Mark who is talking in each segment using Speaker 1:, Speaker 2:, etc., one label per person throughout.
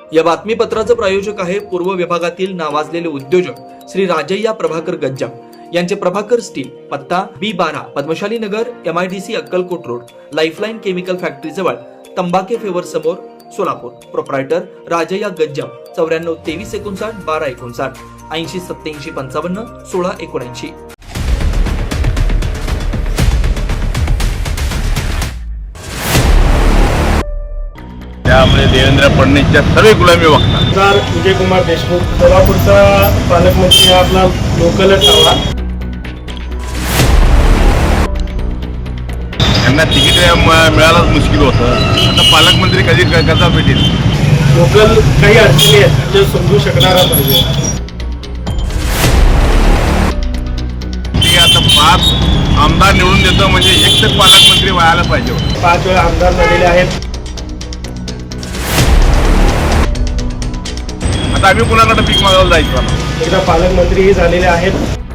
Speaker 1: या बातमीपत्राचं प्रायोजक आहे पूर्व विभागातील नावाजलेले उद्योजक श्री राजय्या प्रभाकर गज्जाम यांचे प्रभाकर स्टील, पत्ता B12 Padmashali Nagar, MIDC Akkalkot road, lifeline chemical factory जवळ, तंबाके फेवर समोर, सोलापूर. प्रोप्रायटर राजय्या गज्जाम 94 23 59 12 59 80 87 55 16 79.
Speaker 2: त्यामुळे देवेंद्र फडणवीसच्या सर्व गुलामी बघतात.
Speaker 3: जर विजयकुमार देशमुख सोलापूरचा पालकमंत्री हा आपला लोकलच हवा.
Speaker 2: त्यांना तिकीट मिळायलाच मुश्किल होतं. आता पालकमंत्री कधी कसा भेटेल?
Speaker 3: लोकल काही अडचणी आहेत जे समजू शकणारा पाहिजे.
Speaker 2: ठीक आहे, आता 5 आमदार निवडून देतो म्हणजे एक तर पालकमंत्री व्हायला पाहिजे.
Speaker 3: 5 वेळा आमदार झालेले आहेत.
Speaker 2: आता आम्ही कुणाकडे पीक मागायला जायचं?
Speaker 3: एकदा पालकमंत्रीही झालेले आहेत.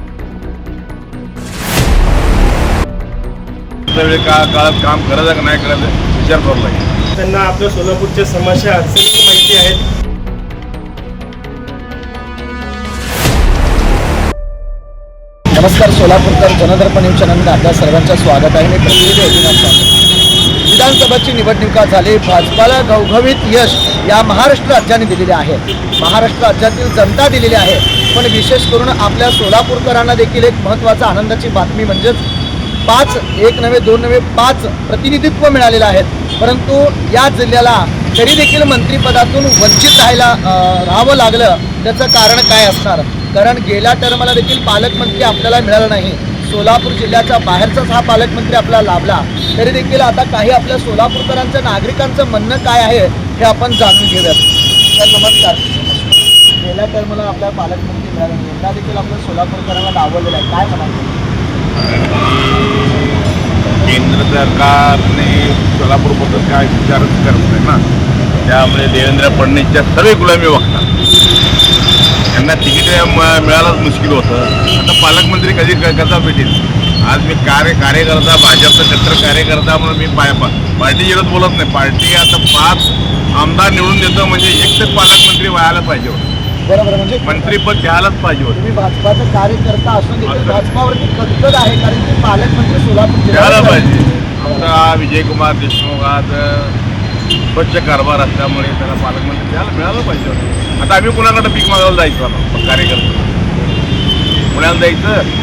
Speaker 2: वेळ काळात काम करायचं का नाही करायचं विचार करावा लागेल.
Speaker 3: त्यांना आपल्या सोलापूरच्या समस्या अडचणी माहिती आहेत.
Speaker 4: नमस्कार सोलापूरकर जनदर्पण न्यूज चॅनलमध्ये आपल्या सर्वांचं स्वागत आहे. मी प्रतिनिधी एकनाथ स्वामी. विधानसभेची निवडणुका झाली. भाजपाला घवघवीत यश या महाराष्ट्र राज्याने दिलेले आहे. महाराष्ट्र राज्यातील जनता दिलेली आहे. पण विशेष करून आपल्या सोलापूरकरांना देखील एक महत्त्वाचा आनंदाची बातमी म्हणजेच 5 एक नव्हे 2 नव्हे 5 प्रतिनिधित्व मिळालेलं आहेत. परंतु या जिल्ह्याला तरी देखील मंत्रिपदातून वंचित राहावं लागलं. त्याचं कारण काय असणार? कारण गेल्या टर्मला देखील पालकमंत्री आपल्याला मिळाला नाही. सोलापूर जिल्ह्याच्या बाहेरचाच हा पालकमंत्री आपल्याला लाभला. तरी देखील आता काही आपल्या सोलापूरकरांचं नागरिकांचं म्हणणं काय आहे हे आपण जाणून घेऊयात. तर नमस्कार. गेल्या टर्मला आपल्याला पालकमंत्री मिळाला नाही, यंदा देखील आपल्या सोलापूरकरांना डावललेलं आहे, काय म्हणाल?
Speaker 2: केंद्र सरकारने सोलापूरबद्दल काय विचारच करत नाही ना. त्यामुळे देवेंद्र फडणवीसच्या सर्व गुलामी बघतात. त्यांना तिकीट मिळायलाच मुश्किल होतं. आता पालकमंत्री कधी कसा भेटेल? आज मी कार्यकर्ता भाजपचा कट्टर कार्यकर्ता म्हणून मी पार्टी विरोध बोलत नाही. पार्टी आता 5 आमदार निवडून देतो म्हणजे एक तर पालकमंत्री व्हायला पाहिजे होतं.
Speaker 4: बरोबर, म्हणजे
Speaker 2: मंत्रीपद घ्यायलाच पाहिजे होतं.
Speaker 4: तुम्ही भाजपाचा कार्यकर्ता असून देखील भाजपावरती कटकट आहे, कारण की पालकमंत्री सोलापूर
Speaker 2: द्यायला पाहिजे. आमचा विजयकुमार देशमुख आज स्वच्छ कारभार असल्यामुळे त्याला पालकमंत्री द्यायला मिळालं पाहिजे होतं. आता आम्ही कुणाकडे पीक मागायला जायचं? कार्यकर्ता पुण्याला जायचं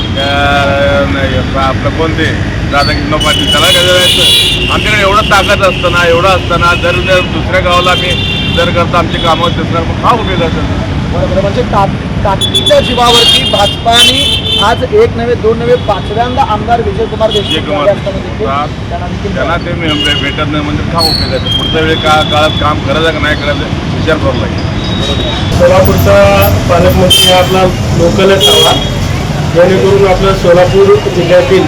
Speaker 2: आपलं कोणते राधाकृष्ण पाटील त्याला काय जायचं? आमच्याकडे एवढं ताकद असताना एवढं असताना जर दुसऱ्या गावाला आम्ही जर करता आमची कामं दिसणार मग हा उपयोगाचं.
Speaker 4: बरोबर, म्हणजे ताकदीच्या जीवावरती भाजपाने आज 1 नव्हे 2 नव्हे 5व्यांदा आमदार विजयकुमार देशमुख
Speaker 2: त्यांना ते भेटत नाही म्हणजे का उपयोगाचं? पुढच्या वेळी काळात काम करायचं का नाही करायचं विचार करावा लागेल.
Speaker 3: सोलापूरचा पालकमंत्री हा आपला लोकलच हवा, जेणेकरून आपलं सोलापूर जिल्ह्यातील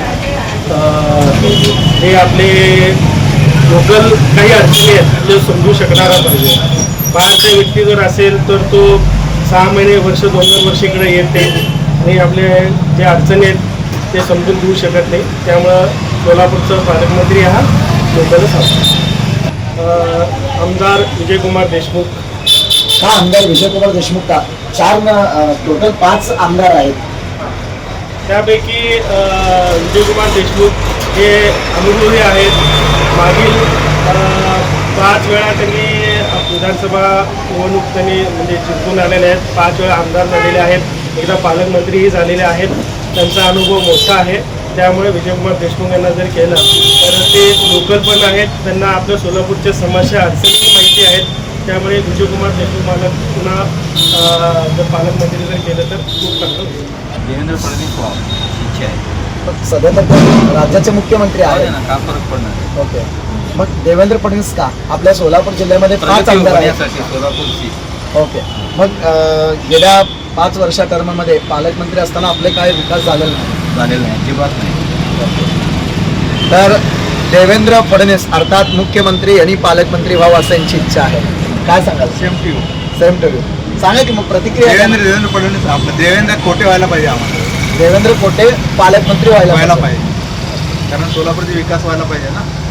Speaker 3: हे आपले लोकल काही अडचणी आहेत जे समजू शकणारा पाहिजे. बाहेरचा व्यक्ती जर असेल तर तो 6 महिने वर्ष 2 वर्ष इकडे येते आणि आपले जे अडचणी आहेत ते समजून घेऊ शकत नाही. त्यामुळं सोलापूरचा पालकमंत्री हा लोकलच हवा. आमदार विजयकुमार देशमुख.
Speaker 4: हा आमदार विजयकुमार देशमुख का? 4 टोटल 5 आमदार आहेत.
Speaker 3: त्यापैकी विजयकुमार देशमुख हे अनुभवी आहेत. मागील 5 वेळा त्यांनी विधानसभा निवडणूक त्यांनी म्हणजे जिंकून आलेले आहेत. 5 वेळा आमदार झालेले आहेत. एकदा पालकमंत्रीही झालेले आहेत. त्यांचा अनुभव मोठा आहे. त्यामुळे विजयकुमार देशमुख यांना जर केलं तर ते लोकल पण आहेत. त्यांना आपल्या सोलापूरच्या समस्या अडचणी माहिती आहेत. त्यामुळे विजयकुमार देशमुख मला पुन्हा जर पालकमंत्री जर केलं तर खूप चांगलं होईल.
Speaker 5: देवेंद्र फडणवीस व्हावं इच्छा आहे.
Speaker 4: सध्या तर राज्याचे मुख्यमंत्री आहेत
Speaker 5: ना, का फरक पडणार?
Speaker 4: ओके, मग देवेंद्र फडणवीस का? आपल्या सोलापूर जिल्ह्यामध्ये 5 आमदार आहेत.
Speaker 5: सोलापूरची
Speaker 4: ओके, मग गेल्या 5 वर्षा टर्ममध्ये पालकमंत्री असताना आपले काय विकास झालेला
Speaker 5: झालेलं नाही, अजिबात नाही.
Speaker 4: तर देवेंद्र फडणवीस अर्थात मुख्यमंत्री आणि पालकमंत्री व्हावं असं यांची इच्छा आहे. काय सांगाल?
Speaker 2: Same
Speaker 4: to you. सांगा की मग प्रतिक्रिया.
Speaker 2: देवेंद्र फडणवीस आपलं देवेंद्र कोटे व्हायला पाहिजे. आम्हाला
Speaker 4: देवेंद्र कोटे पालकमंत्री व्हायला पाहिजे.
Speaker 2: कारण सोलापूरचा विकास व्हायला पाहिजे ना.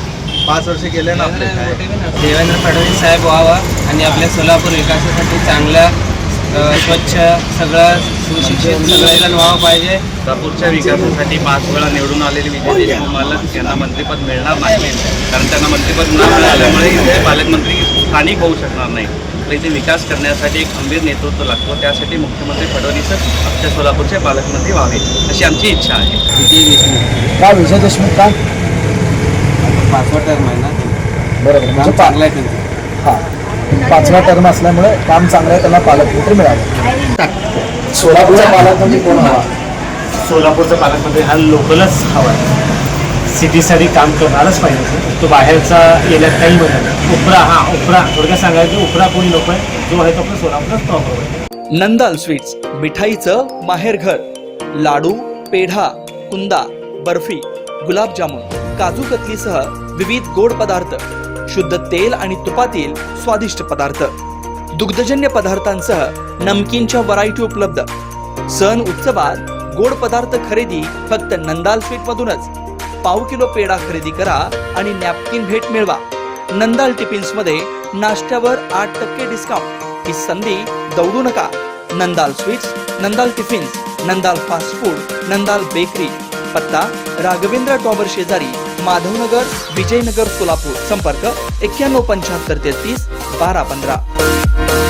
Speaker 5: 5 वर्ष गेले ना आपले काय
Speaker 6: देवेंद्र फडणवीस साहेब व्हावा आणि आपल्या सोलापूर विकासासाठी चांगल्या स्वच्छ सगळं सुशिक्षित सगळेजण व्हावं पाहिजे.
Speaker 5: सोलापूरच्या विकासासाठी 5 वेळा निवडून आलेले विजय देशमुख मालक यांना मंत्रिपद मिळणार नाही, कारण त्यांना मंत्रिपद न मिळाल्यामुळे इथे पालकमंत्री स्थानिक होऊ शकणार नाही. तर इथे विकास करण्यासाठी एक खंबीर नेतृत्व लागतो. त्यासाठी मुख्यमंत्री फडणवीसच आमच्या सोलापूरचे पालकमंत्री व्हावे अशी आमची इच्छा आहे.
Speaker 6: विजय देशमुख
Speaker 4: का विजय देशमुख का?
Speaker 6: 5वा टर्म आहे ना,
Speaker 4: बरोबर,
Speaker 6: काम
Speaker 4: म्हणजे
Speaker 6: चांगलं आहे त्यांचं.
Speaker 4: हां, 5वा टर्म असल्यामुळे काम चांगलं आहे, त्यांना पालकमंत्री मिळालं. सोलापूरचा पालकमंत्री कोण हवा?
Speaker 7: सोलापूरचा पालकमंत्री हा लोकलच हवा आहे. सिटीसाठी काम करणारच पाहिजे. तो बाहेरचा येण्यात काही म्हणत नाही. उपरा थोडक्यात सांगायचं, उपरा कोणी नको आहे, जो आहे तो आपला सोलापूरच टॉप आहे.
Speaker 1: नंदाल स्वीट्स, मिठाईचं माहेरघर. लाडू, पेढा, कुंदा, बर्फी, गुलाबजामुन, काजू कतलीसह विविध गोड पदार्थ, शुद्ध तेल आणि तुपातील स्वादिष्ट पदार्थ, दुग्धजन्य पदार्थांसह नमकीनच्या व्हरायटी उपलब्ध. सण उत्सवात गोड पदार्थ खरेदी फक्त नंदाल स्वीट मधूनच. पाव किलो पेढा खरेदी करा आणि नॅपकिन भेट मिळवा. नंदाल टिफिन्स मध्ये नाश्त्यावर 8% डिस्काउंट. ही संधी दौडू नका. Nandal sweets, Nandal tiffins, Nandal fast food, Nandal bakery. पत्ता राघवेंद्र टॉवर शेजारी, माधवनगर, विजयनगर, सोलापूर. संपर्क 91 75 33 12 15.